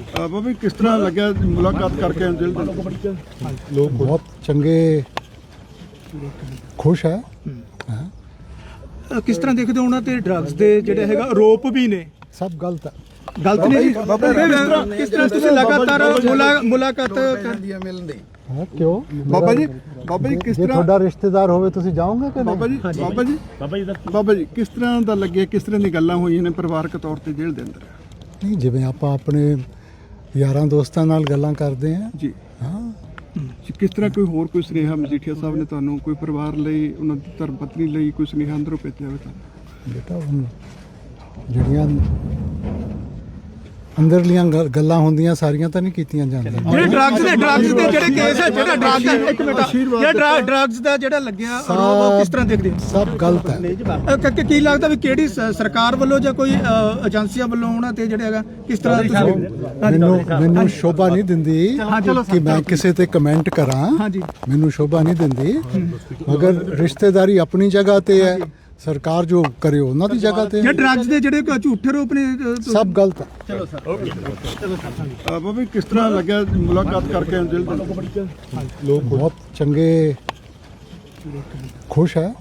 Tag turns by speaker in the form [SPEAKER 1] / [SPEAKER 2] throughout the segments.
[SPEAKER 1] ਬਾਬਾ ਕਿਸ ਤਰ੍ਹਾਂ ਲੱਗਿਆ ਮੁਲਾਕਾਤ ਕਰਕੇ ਅੰਜਲ ਦੇ
[SPEAKER 2] लोग बहुत चंगे खुश है।
[SPEAKER 3] ਕਿਸ ਤਰ੍ਹਾਂ ਦੇਖਦੇ ਹੋ ਉਹਨਾਂ ਤੇ ਡਰੱਗਸ ਦੇ ਜਿਹੜੇ ਹੈਗਾ ਆਰੋਪ ਵੀ ਨੇ?
[SPEAKER 2] सब गलत है।
[SPEAKER 3] ਗਲਤ ਨਹੀਂ ਜੀ। ਕਿਸ ਤਰ੍ਹਾਂ ਤੁਸੀਂ ਲਗਾਤਾਰ ਮੁਲਾਕਾਤ
[SPEAKER 2] हाँ, क्यों
[SPEAKER 1] ਬਾਬਾ ਜੀ ਕਿਸ
[SPEAKER 2] ਜੇ
[SPEAKER 1] ਤਰ੍ਹਾਂ
[SPEAKER 2] ਤੁਹਾਡਾ ਰਿਸ਼ਤੇਦਾਰ ਹੋਵੇ ਤੁਸੀਂ ਜਾਓਗੇ ਕਿ
[SPEAKER 1] ਬਾਬਾ
[SPEAKER 2] ਨਹੀਂ?
[SPEAKER 1] ਜੀ ਬਾਬਾ ਜੀ ਕਿਸ ਤਰ੍ਹਾਂ ਦਾ ਲੱਗਿਆ, ਕਿਸ ਤਰ੍ਹਾਂ ਦੀ ਗੱਲਾਂ ਹੋਈਆਂ ਨੇ ਪਰਿਵਾਰਕ ਤੌਰ ਤੇ ਜੇਲ੍ਹ ਦੇ ਅੰਦਰ?
[SPEAKER 2] ਨਹੀਂ, ਜਿਵੇਂ ਆਪਾਂ ਆਪਣੇ ਯਾਰਾਂ ਦੋਸਤਾਂ ਨਾਲ ਗੱਲਾਂ ਕਰਦੇ ਹਾਂ।
[SPEAKER 1] ਜੀ
[SPEAKER 2] ਹਾਂ,
[SPEAKER 1] ਕਿਸ ਤਰ੍ਹਾਂ ਕੋਈ ਹੋਰ ਕੋਈ ਸੁਨੇਹਾ ਮਜੀਠੀਆ ਸਾਹਿਬ ਨੇ ਤੁਹਾਨੂੰ ਕੋਈ ਪਰਿਵਾਰ ਲਈ, ਉਹਨਾਂ ਦੀ ਧਰਮ ਪਤਨੀ ਲਈ ਕੋਈ ਸੁਨੇਹਾ ਅੰਦਰੋਂ ਭੇਜਿਆ ਹੋਵੇ ਤੁਹਾਨੂੰ?
[SPEAKER 2] ਬੇਟਾ ਹੁਣ ਜਿਹੜੀਆਂ ਅੰਦਰਲੀਆਂ ਗੱਲਾਂ ਹੁੰਦੀਆਂ ਸਾਰੀਆਂ ਤਾਂ ਨਹੀਂ ਕੀਤੀਆਂ ਜਾਂਦੀਆਂ।
[SPEAKER 3] ਜਿਹੜੇ ਡਰੱਗਸ ਦੇ ਜਿਹੜੇ ਕੇਸ ਹੈ, ਜਿਹੜਾ ਡਰੱਗ ਦਾ ਇੱਕ ਮਿੰਟ ਜਿਹੜਾ ਡਰੱਗਸ ਦਾ ਜਿਹੜਾ ਲੱਗਿਆ ਆਰੋਪ ਕਿਸ ਤਰ੍ਹਾਂ ਦੇਖਦੇ ਹੋ?
[SPEAKER 2] ਸਭ ਗਲਤ ਹੈ।
[SPEAKER 3] ਕੀ ਲੱਗਦਾ ਵੀ ਕਿਹੜੀ ਸਰਕਾਰ ਵੱਲੋਂ ਜਾਂ ਕੋਈ ਏਜੰਸੀਆਂ ਵੱਲੋਂ ਉਹਨਾਂ ਤੇ ਜਿਹੜਾ ਹੈਗਾ ਕਿਸ ਤਰ੍ਹਾਂ
[SPEAKER 2] ਮੈਨੂੰ ਸ਼ੋਭਾ ਨਹੀਂ ਦਿੰਦੀ ਕਿ ਮੈਂ ਕਿਸੇ ਤੇ ਕਮੈਂਟ ਕਰਾਂ।
[SPEAKER 3] ਹਾਂਜੀ,
[SPEAKER 2] ਮੈਨੂੰ ਸ਼ੋਭਾ ਨਹੀਂ ਦਿੰਦੀ, ਮਗਰ ਰਿਸ਼ਤੇਦਾਰੀ ਆਪਣੀ ਜਗ੍ਹਾ ਤੇ ਹੈ, ਸਰਕਾਰ ਜੋ ਕਰੇ ਉਹਨਾਂ ਦੀ ਜਗ੍ਹਾ ਤੇ।
[SPEAKER 3] ਜੇ ਡਰੱਗਸ ਦੇ ਜਿਹੜੇ ਝੂਠੇ ਆਰੋਪ ਨੇ
[SPEAKER 2] ਸਭ ਗਲਤ ਹੈ।
[SPEAKER 1] ਬਾਬਾ ਕਿਸ ਤਰ੍ਹਾਂ ਲੱਗਿਆ ਮੁਲਾਕਾਤ ਕਰਕੇ ਅੰਜਲ ਦੇ
[SPEAKER 2] ਲੋਕ ਬਹੁਤ ਚੰਗੇ ਖੁਸ਼ ਹੈ।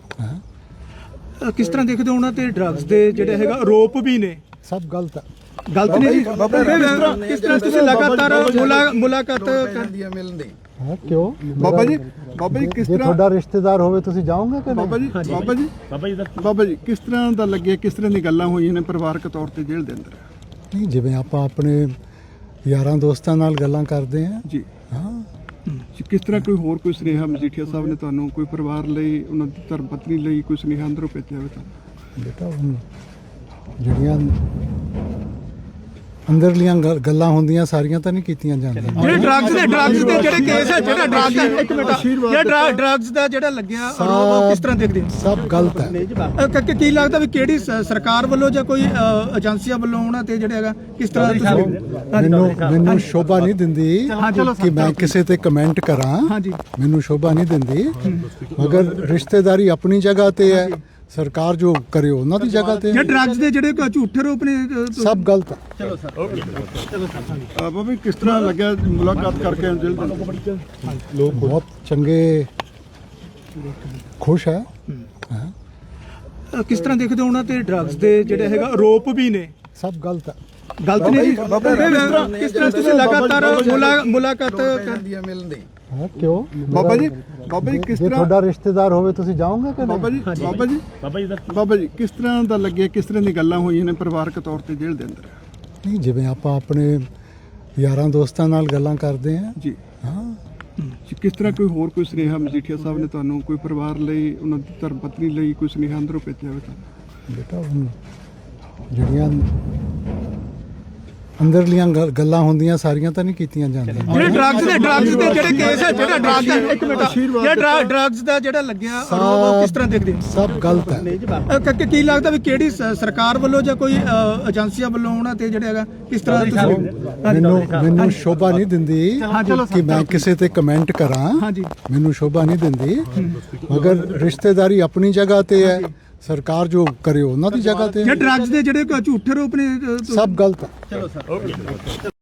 [SPEAKER 3] ਕਿਸ ਤਰ੍ਹਾਂ ਦੇਖਦੇ ਹੋ ਉਹਨਾਂ ਤੇ ਡਰੱਗਸ ਦੇ ਜਿਹੜੇ ਹੈਗਾ ਆਰੋਪ ਵੀ ਨੇ?
[SPEAKER 2] ਸਭ ਗਲਤ ਹੈ।
[SPEAKER 3] ਗਲਤ ਨਹੀਂ ਜੀ। ਕਿਸ ਤਰ੍ਹਾਂ ਤੁਸੀਂ ਲਗਾਤਾਰ ਮੁਲਾਕਾਤ
[SPEAKER 2] ਹਾਂ, ਕਿਉਂ
[SPEAKER 1] ਬਾਬਾ ਜੀ ਕਿਸ
[SPEAKER 2] ਜੇ
[SPEAKER 1] ਤਰ੍ਹਾਂ
[SPEAKER 2] ਤੁਹਾਡਾ ਰਿਸ਼ਤੇਦਾਰ ਹੋਵੇ ਤੁਸੀਂ ਜਾਓਗੇ ਕਿ ਨਹੀਂ?
[SPEAKER 1] ਬਾਬਾ ਜੀ ਕਿਸ ਤਰ੍ਹਾਂ ਦਾ ਲੱਗਿਆ, ਕਿਸ ਤਰ੍ਹਾਂ ਦੀ ਗੱਲਾਂ ਹੋਈਆਂ ਨੇ ਪਰਿਵਾਰਕ ਤੌਰ ਤੇ ਜੇਲ੍ਹ ਦੇ ਅੰਦਰ?
[SPEAKER 2] ਨਹੀਂ, ਜਿਵੇਂ ਆਪਾਂ ਆਪਣੇ ਯਾਰਾਂ ਦੋਸਤਾਂ ਨਾਲ ਗੱਲਾਂ ਕਰਦੇ ਹਾਂ।
[SPEAKER 1] ਜੀ
[SPEAKER 2] ਹਾਂ,
[SPEAKER 1] ਕਿਸ ਤਰ੍ਹਾਂ ਕੋਈ ਹੋਰ ਕੋਈ ਸੁਨੇਹਾ ਮਜੀਠੀਆ ਸਾਹਿਬ ਨੇ ਤੁਹਾਨੂੰ ਕੋਈ ਪਰਿਵਾਰ ਲਈ, ਉਹਨਾਂ ਦੀ ਧਰਮ ਪਤਨੀ ਲਈ ਕੋਈ ਸੁਨੇਹਾ ਅੰਦਰੋਂ ਭੇਜਿਆ ਹੋਵੇ ਤੁਹਾਨੂੰ?
[SPEAKER 2] ਬੇਟਾ ਹੁਣ ਜਿਹੜੀਆਂ ਅੰਦਰਲੀਆਂ ਗੱਲਾਂ ਹੁੰਦੀਆਂ ਸਾਰੀਆਂ ਤਾਂ ਨਹੀਂ ਕੀਤੀਆਂ ਜਾਂਦੀਆਂ।
[SPEAKER 3] ਜਿਹੜੇ ਡਰੱਗਸ ਦੇ ਜਿਹੜੇ ਕੇਸ ਹੈ, ਜਿਹੜਾ ਡਰੱਗ ਦਾ ਇੱਕ ਮਿੰਟ ਜਿਹੜਾ ਡਰੱਗਸ ਦਾ ਜਿਹੜਾ ਲੱਗਿਆ ਆਰੋਪ ਕਿਸ ਤਰ੍ਹਾਂ ਦੇਖਦੇ ਹੋ?
[SPEAKER 2] ਸਭ ਗਲਤ ਹੈ।
[SPEAKER 3] ਕੀ ਲੱਗਦਾ ਵੀ ਕਿਹੜੀ ਸਰਕਾਰ ਵੱਲੋਂ ਜਾਂ ਕੋਈ ਏਜੰਸੀਆਂ ਵੱਲੋਂ ਉਹਨਾਂ ਤੇ ਜਿਹੜਾ ਹੈਗਾ ਕਿਸ ਤਰ੍ਹਾਂ
[SPEAKER 2] ਮੈਨੂੰ ਸ਼ੋਭਾ ਨਹੀਂ ਦਿੰਦੀ ਕਿ ਮੈਂ ਕਿਸੇ ਤੇ ਕਮੈਂਟ ਕਰਾਂ।
[SPEAKER 3] ਹਾਂਜੀ,
[SPEAKER 2] ਮੈਨੂੰ ਸ਼ੋਭਾ ਨਹੀਂ ਦਿੰਦੀ, ਮਗਰ ਰਿਸ਼ਤੇਦਾਰੀ ਆਪਣੀ ਜਗ੍ਹਾ ਤੇ ਹੈ, ਸਰਕਾਰ ਜੋ ਕਰੇ ਉਹਨਾਂ ਦੀ ਜਗ੍ਹਾ ਤੇ।
[SPEAKER 3] ਜੇ ਡਰੱਗਸ ਦੇ ਜਿਹੜੇ ਝੂਠੇ ਆਰੋਪ ਨੇ
[SPEAKER 2] ਸਭ ਗਲਤ ਹੈ।
[SPEAKER 1] ਬਾਬਾ ਕਿਸ ਤਰ੍ਹਾਂ ਲੱਗਿਆ ਮੁਲਾਕਾਤ ਕਰਕੇ ਅੰਜਲ ਦੇ
[SPEAKER 2] ਲੋਕ ਬਹੁਤ ਚੰਗੇ ਖੁਸ਼ ਹੈ।
[SPEAKER 3] ਕਿਸ ਤਰ੍ਹਾਂ ਦੇਖਦੇ ਹੋ ਉਹਨਾਂ ਤੇ ਡਰੱਗਸ ਦੇ ਜਿਹੜੇ ਹੈਗਾ ਆਰੋਪ ਵੀ ਨੇ?
[SPEAKER 2] ਸਭ ਗਲਤ ਹੈ।
[SPEAKER 3] ਗਲਤ ਨਹੀਂ ਜੀ। ਕਿਸ ਤਰ੍ਹਾਂ ਤੁਸੀਂ ਲਗਾਤਾਰ ਮੁਲਾਕਾਤ
[SPEAKER 2] ਹਾਂ, ਕਿਉਂ
[SPEAKER 1] ਬਾਬਾ ਜੀ ਕਿਸ
[SPEAKER 2] ਜੇ
[SPEAKER 1] ਤਰ੍ਹਾਂ
[SPEAKER 2] ਤੁਹਾਡਾ ਰਿਸ਼ਤੇਦਾਰ ਹੋਵੇ ਤੁਸੀਂ ਜਾਓਗੇ ਕਿ ਨਹੀਂ?
[SPEAKER 1] ਬਾਬਾ ਜੀ ਕਿਸ ਤਰ੍ਹਾਂ ਦਾ ਲੱਗਿਆ, ਕਿਸ ਤਰ੍ਹਾਂ ਦੀ ਗੱਲਾਂ ਹੋਈਆਂ ਨੇ ਪਰਿਵਾਰਕ ਤੌਰ ਤੇ ਜੇਲ੍ਹ ਦੇ ਅੰਦਰ?
[SPEAKER 2] ਨਹੀਂ, ਜਿਵੇਂ ਆਪਾਂ ਆਪਣੇ ਯਾਰਾਂ ਦੋਸਤਾਂ ਨਾਲ ਗੱਲਾਂ ਕਰਦੇ ਹਾਂ।
[SPEAKER 1] ਜੀ
[SPEAKER 2] ਹਾਂ,
[SPEAKER 1] ਕਿਸ ਤਰ੍ਹਾਂ ਕੋਈ ਹੋਰ ਕੋਈ ਸੁਨੇਹਾ ਮਜੀਠੀਆ ਸਾਹਿਬ ਨੇ ਤੁਹਾਨੂੰ ਕੋਈ ਪਰਿਵਾਰ ਲਈ, ਉਹਨਾਂ ਦੀ ਧਰਮ ਪਤਨੀ ਲਈ ਕੋਈ ਸੁਨੇਹਾ ਅੰਦਰੋਂ ਭੇਜਿਆ ਹੋਵੇ ਤੁਹਾਨੂੰ?
[SPEAKER 2] ਬੇਟਾ ਹੁਣ ਜਿਹੜੀਆਂ ਅੰਦਰਲੀਆਂ ਗੱਲਾਂ ਹੁੰਦੀਆਂ ਸਾਰੀਆਂ ਤਾਂ ਨਹੀਂ ਕੀਤੀਆਂ ਜਾਂਦੀਆਂ।
[SPEAKER 3] ਜਿਹੜੇ ਡਰੱਗਸ ਦੇ ਜਿਹੜੇ ਕੇਸ ਹੈ, ਜਿਹੜਾ ਡਰੱਗ ਦਾ ਇੱਕ ਮਿੰਟ ਜਿਹੜਾ ਡਰੱਗਸ ਦਾ ਜਿਹੜਾ ਲੱਗਿਆ ਆਰੋਪ ਕਿਸ ਤਰ੍ਹਾਂ ਦੇਖਦੇ ਹੋ?
[SPEAKER 2] ਸਭ ਗਲਤ ਹੈ।
[SPEAKER 3] ਕੀ ਲੱਗਦਾ ਵੀ ਕਿਹੜੀ ਸਰਕਾਰ ਵੱਲੋਂ ਜਾਂ ਕੋਈ ਏਜੰਸੀਆਂ ਵੱਲੋਂ ਉਹਨਾਂ ਤੇ ਜਿਹੜਾ ਹੈਗਾ ਕਿਸ ਤਰ੍ਹਾਂ
[SPEAKER 2] ਮੈਨੂੰ ਸ਼ੋਭਾ ਨਹੀਂ ਦਿੰਦੀ ਕਿ ਮੈਂ ਕਿਸੇ ਤੇ ਕਮੈਂਟ ਕਰਾਂ।
[SPEAKER 3] ਹਾਂਜੀ,
[SPEAKER 2] ਮੈਨੂੰ ਸ਼ੋਭਾ ਨਹੀਂ ਦਿੰਦੀ, ਮਗਰ ਰਿਸ਼ਤੇਦਾਰੀ ਆਪਣੀ ਜਗ੍ਹਾ ਤੇ ਹੈ, ਸਰਕਾਰ ਜੋ ਕਰੇ ਉਹਨਾਂ ਦੀ ਜਗ੍ਹਾ ਤੇ।
[SPEAKER 3] ਜੇ ਡਰੱਗਸ ਦੇ ਜਿਹੜੇ ਝੂਠੇ ਆਰੋਪ ਨੇ
[SPEAKER 2] ਸਭ ਗਲਤ ਹੈ।